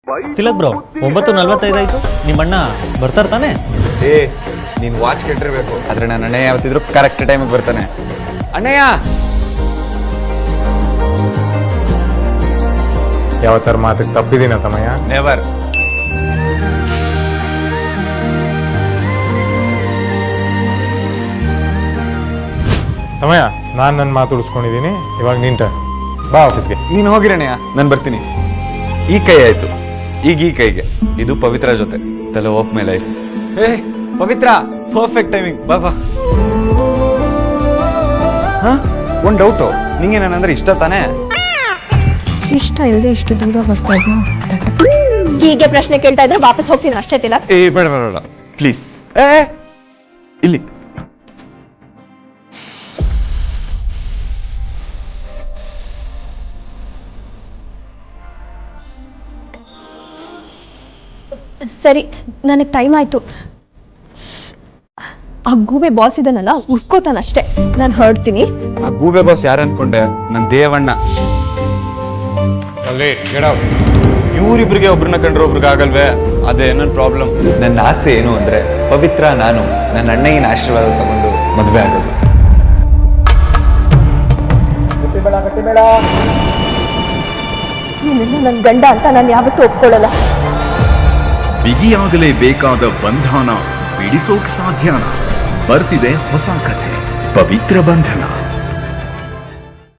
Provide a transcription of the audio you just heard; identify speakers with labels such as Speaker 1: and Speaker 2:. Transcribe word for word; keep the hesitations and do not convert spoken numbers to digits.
Speaker 1: Tilak bro ಒಂಬತ್ತು ನಲ್ವತ್ತೈದು ಆಯ್ತು. ನಿಮ್ಮಣ್ಣ ಬರ್ತಾರ ತಾನೆ?
Speaker 2: ಏ ನೀನ್ ವಾಚ್ ಕೆಟ್ಟಿರ್ಬೇಕು, ಆದ್ರೆ ನನ್ನ ಅಣ್ಣಯ್ಯ ಯಾವತ್ತಿದ್ರು ಕರೆಕ್ಟ್ ಟೈಮಿಗೆ ಬರ್ತಾನೆ. ಅಣ್ಣಯ್ಯ
Speaker 3: ಯಾವತ್ತರ ಮಾತಿಗೆ ತಪ್ಪಿದೀನ ತಮ್ಮಯ್ಯ?
Speaker 2: ನೆವರ್.
Speaker 3: ತಮ್ಮಯ್ಯ ನಾನು ನನ್ನ ಮಾತು ಉಳಿಸ್ಕೊಂಡಿದ್ದೀನಿ, ಇವಾಗ ನಿಂಟ ಬಾ ಆಫೀಸ್ಗೆ.
Speaker 2: ನೀನು ಹೋಗಿರಣ್ಣಯ್ಯ, ನಾನು ಬರ್ತೀನಿ. ಈ ಕೈ ಆಯ್ತು, ಈಗ ಈ ಕೈಗೆ ಇದು ಪವಿತ್ರ ಜೊತೆ ತಲೆ ಆಫ್ ಮೈ ಲೈಫ್. ಏ ಪವಿತ್ರ, ಪರ್ಫೆಕ್ಟ್ ಟೈಮಿಂಗ್, ಬಾ ಬಾ. ಹಾ ಒಂದು ಡೌಟು, ನಿಂಗೆ ನಾನಂದ್ರೆ ಇಷ್ಟ ತಾನೇ?
Speaker 4: ಇಷ್ಟ ಇಲ್ಲದೆ ಇಷ್ಟು ದೂರ ಬರ್ತಾ ಇದ್ದ. ಹೀಗೆ ಪ್ರಶ್ನೆ ಕೇಳ್ತಾ ಇದ್ರೆ ವಾಪಸ್ ಹೋಗ್ತೀನಿ ಅಷ್ಟೇ ತಿಲಕ್.
Speaker 2: ಏ ಬೇಡ ಬೇಡ ಪ್ಲೀಸ್. ಏ ಇಲ್ಲಿ
Speaker 4: ಸರಿ, ನನಗೆ ಟೈಮ್ ಆಯ್ತು. ಆ ಗೂಬೆ ಬಾಸ್ ಇದನ್ನಲ್ಲ ಉಳ್ಕೋತಾನಷ್ಟೇ, ನಾನು ಹೊರಡ್ತೀನಿ.
Speaker 2: ಆ ಗೂಬೆ ಬಾಸ್ ಯಾರು ಅನ್ಕೊಂಡೆ? ನನ್ನ ದೇವಣ್ಣ. ಇವರಿಬ್ರಿಗೆ ಒಬ್ರನ್ನ ಕಂಡ್ರೆ ಒಬ್ರಿಗೆ ಆಗಲ್ವೇ? ಅದೇ ನನ್ನ ಪ್ರಾಬ್ಲಮ್. ನನ್ನ ಆಸೆ ಏನು ಅಂದ್ರೆ ಪವಿತ್ರ ನಾನು ನನ್ನ ಅಣ್ಣಗಿನ ಆಶೀರ್ವಾದ ತಗೊಂಡು ಮದುವೆ ಆಗೋದು.
Speaker 4: ನನ್ನ ಗಂಡ ಅಂತ ನಾನು ಯಾವತ್ತೂ ಒಪ್ಕೊಳ್ಳಲ್ಲ.
Speaker 5: ಬಿಗಿಯಾಗಲೇಬೇಕಾದ ಬಂಧನ ಬಿಡಿಸೋಕ್ ಸಾಧ್ಯನಾ? ಬರ್ತಿದೆ ಹೊಸ ಕಥೆ, ಪವಿತ್ರ ಬಂಧನ.